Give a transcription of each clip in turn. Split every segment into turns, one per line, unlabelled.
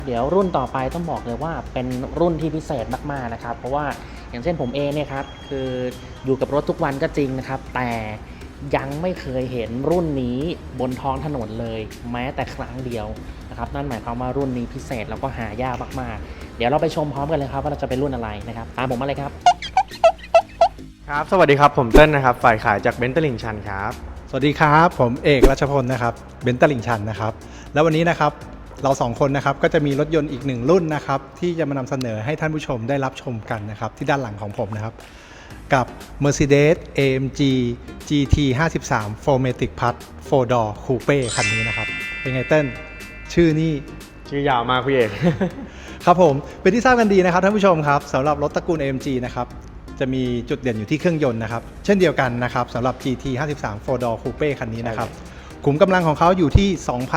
เดี๋ยวรุ่นต่อไปต้องบอกเลยว่าเป็นรุ่นที่พิเศษมากๆนะครับเพราะว่าอย่างเช่นผมเองเนี่ยครับคืออยู่กับรถทุกวันก็จริงนะครับแต่ยังไม่เคยเห็นรุ่นนี้บนท้องถนนเลยแม้แต่ครั้งเดียวนะครับนั่นหมายความว่ารุ่นนี้พิเศษแล้วก็หายากมากๆเดี๋ยวเราไปชมพร้อมกันเลยครับว่าเราจะเป็นรุ่นอะไรนะครับตามผมมาเลยครับ
ครับสวัสดีครับผมเต้นนะครับฝ่ายขายจากเบนซ์ตลิ่งชันครับ
สวัสดีครับผมเอกรัชพลนะครับเบนซ์ตลิ่งชันนะครับแล้ววันนี้นะครับเราสองคนนะครับก็จะมีรถยนต์อีกหนึ่งรุ่นนะครับที่จะมานำเสนอให้ท่านผู้ชมได้รับชมกันนะครับที่ด้านหลังของผมนะครับกับ Mercedes AMG GT 53 4MATIC Plus 4 Door Coupe คันนี้นะครับเป็นไงเต้นชื่อนี่
ชื่อยาวมากพี่เอก
ครับผมเป็นที่ทราบกันดีนะครับท่านผู้ชมครับสำหรับรถตระกูล AMG นะครับจะมีจุดเด่นอยู่ที่เครื่องยนต์นะครับเช่นเดียวกันนะครับสำหรับ GT 53 4 Door Coupe คันนี้นะครับขุมกำลังของเขาอยู่ที่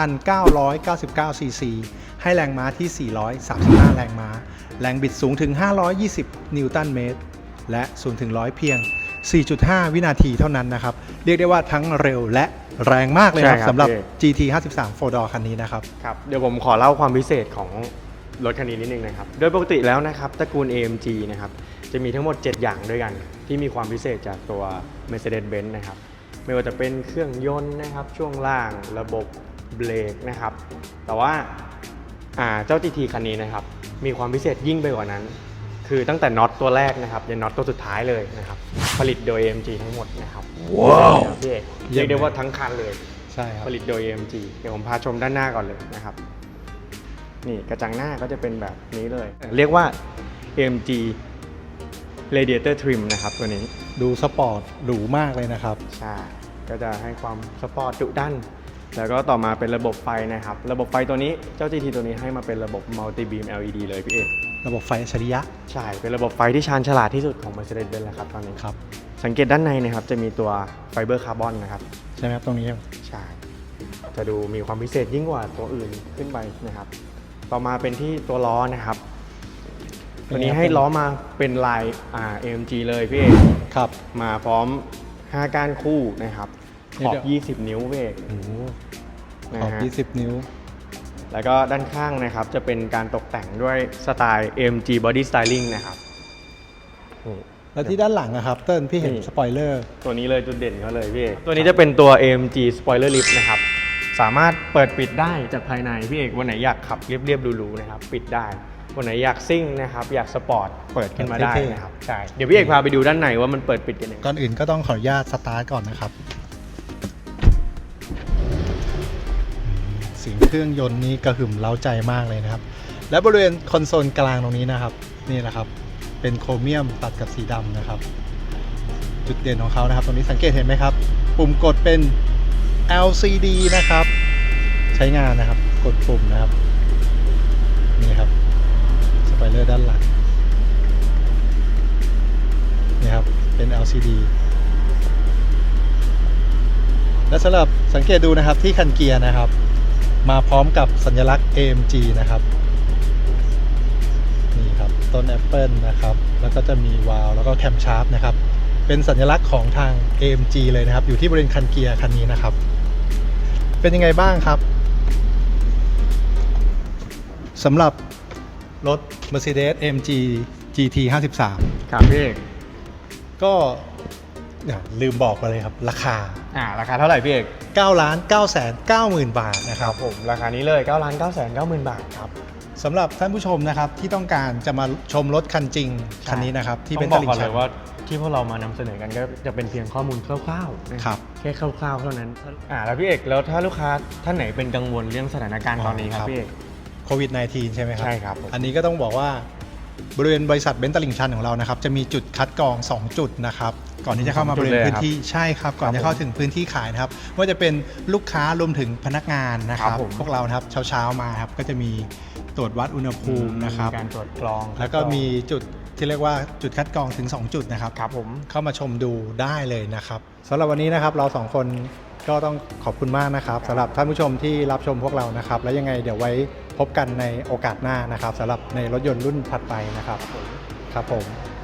2,999 ซีซีให้แรงม้าที่ 435 แรงม้าแรงบิดสูงถึง 520 นิวตันเมตรและ0ถึง100เพียง 4.5 วินาทีเท่านั้นนะครับเรียกได้ว่าทั้งเร็วและแรงมากเลยครับสำหรับ GT 53 4 Door คันนี้นะครับ
ครับเดี๋ยวผมขอเล่าความพิเศษของรถคันนี้นิดนึงนะครับโดยปกติแล้วนะครับตระกูล AMG นะครับจะมีทั้งหมด7อย่างด้วยกันที่มีความพิเศษจากตัว Mercedes-Benz นะครับไม่ว่าจะเป็นเครื่องยนต์นะครับช่วงล่างระบบเบรกนะครับแต่ว่าเจ้า GT คันนี้นะครับมีความพิเศษยิ่งไปกว่านั้นคือตั้งแต่น็อตตัวแรกนะครับยันน็อตตัวสุดท้ายเลยนะครับผลิตโดย AMG ทั้งหมดนะครับว้าวพี่เอกเรียกได้ว่าทั้งคันเลย
ใช่ครับ
ผลิตโดย AMG เดี๋ยวผมพาชมด้านหน้าก่อนเลยนะครับนี่กระจังหน้าก็จะเป็นแบบนี้เลยเรียกว่า AMG Radiator Trim นะครับตัวนี้
ดูสปอร์ตหรูมากเลยนะครับ
ใช่ก็จะให้ความสปอร์ตดุดันแล้วก็ต่อมาเป็นระบบไฟนะครับระบบไฟตัวนี้เจ้า GT ตัวนี้ให้มาเป็นระบบ Multi Beam LED เลยพี่เอก
ระบบไฟอัจฉริยะ
ใช่เป็นระบบไฟที่ชาญฉลาดที่สุดของ Mercedes-Benz แล้วครับตอนนี้
ครับ
สังเกตด้านในนะครับจะมีตัวไฟเบอร์คาร์บอนนะครับ
ใช่ไหมครับตรงนี้
ใช่จะดูมีความพิเศษยิ่งกว่าตัวอื่นขึ้นไปนะครับต่อมาเป็นที่ตัวล้อนะครับตัวนี้ให้ล้อมาเป็นลายAMG เลยพี่เอก
ครับ
มาพร้อม5ก้านคู่นะครับขอบ20 นิ้วพี่เอก
ขอบ20 นิ้ว
แล้วก็ด้านข้างนะครับจะเป็นการตกแต่งด้วยสไตล์ AMG Body Styling นะครับ
แล้วที่ด้านหลังนะครับเติ้ลพี่เห็นสปอยเลอร์
ตัวนี้เลยจุดเด่นเขาเลยพี่เอกตัวนี้จะเป็นตัว AMG Spoiler Lift นะครับสามารถเปิดปิดได้จากภายในพี่เอกวันไหนอยากขับเรียบๆหรูๆนะครับปิดได้วันไหนอยากซิ่งนะครับอยากสปอร์ตเปิดขึ้นมาได้นะครับใช่เดี๋ยวพี่เอกพาไปดูด้านในว่ามันเปิดปิดยังไง
ก่อนอื่นก็ต้องขออนุญาตสตาร์ทก่อนนะครับเสียงเครื่องยนต์นี้กระหึ่มเร้าใจมากเลยนะครับและบริเวณคอนโซลกลางตรงนี้นะครับนี่แหละครับเป็นโครเมียมตัดกับสีดำนะครับจุดเด่นของเขานะครับตรงนี้สังเกตเห็นไหมครับปุ่มกดเป็น LCD นะครับใช้งานนะครับกดปุ่มนะครับนี่ครับสปอยเลอร์ด้านหลังนี่ครับเป็น LCD และสำหรับสังเกตดูนะครับที่คันเกียร์นะครับมาพร้อมกับสัญลักษณ์ AMG นะครับนี่ครับต้นแอปเปิลนะครับแล้วก็จะมีวาล์วแล้วก็แคมชาร์ปนะครับเป็นสัญลักษณ์ของทาง AMG เลยนะครับอยู่ที่บริเวณคันเกียร์คันนี้นะครับเป็นยังไงบ้างครับสำหรับรถ Mercedes AMG GT 53
ครับพี่เอก
ก็ลืมบอกไปเลยครับราคา
เท่าไหร่พี่เอก
9,990,000 บาทนะครับ
ผมราคานี้เลย9,990,000 บาทครับ
สำหรับท่านผู้ชมนะครับที่ต้องการจะมาชมรถคันจริงคันนี้นะครับที่เป็น
ต้องบอกก่อนเลยว่าที่พวกเรามานำเสนอกันก็จะเป็นเพียงข้อมูลคร่าวๆ
นะครับ
แค่คร่าวๆเท่านั้นแล้วพี่เอกแล้วถ้าลูกค้าท่านไหนเป็นกังวลเรื่องสถานการณ์ตอนนี้ครับพี่เอก
โควิด -19 ใช่ไหมครับ
ใช่ครับ
อันนี้ก็ต้องบอกว่าบริเวณบริษัทเบนซ์ตลิ่งชันของเรานะครับจะมีจุดคัดกรอง2จุดนะครับก่อนที่จะเข้ามาบริเวณพื้นที่ใช่ครับก่อนจะเข้าถึงพื้นที่ขายนะครับว่าจะเป็นลูกค้ารวมถึงพนักงานนะครับพวกเรานะครับเช้ามาครับก็จะมีตรวจวัดอุณหภูมินะครับ
การตรวจกรอง
แล้วก็มีจุดที่เรียกว่าจุดคัดกรองถึง2จุดนะครับ
ครับผม
เข้ามาชมดูได้เลยนะครับสำหรับวันนี้นะครับเรา2คนก็ต้องขอบคุณมากนะครับสำหรับท่านผู้ชมที่รับชมพวกเรานะครับแล้วยังไงเดี๋ยวไว้พบกันในโอกาสหน้านะครับสำหรับในรถยนต์รุ่นถัดไปนะครับครับผม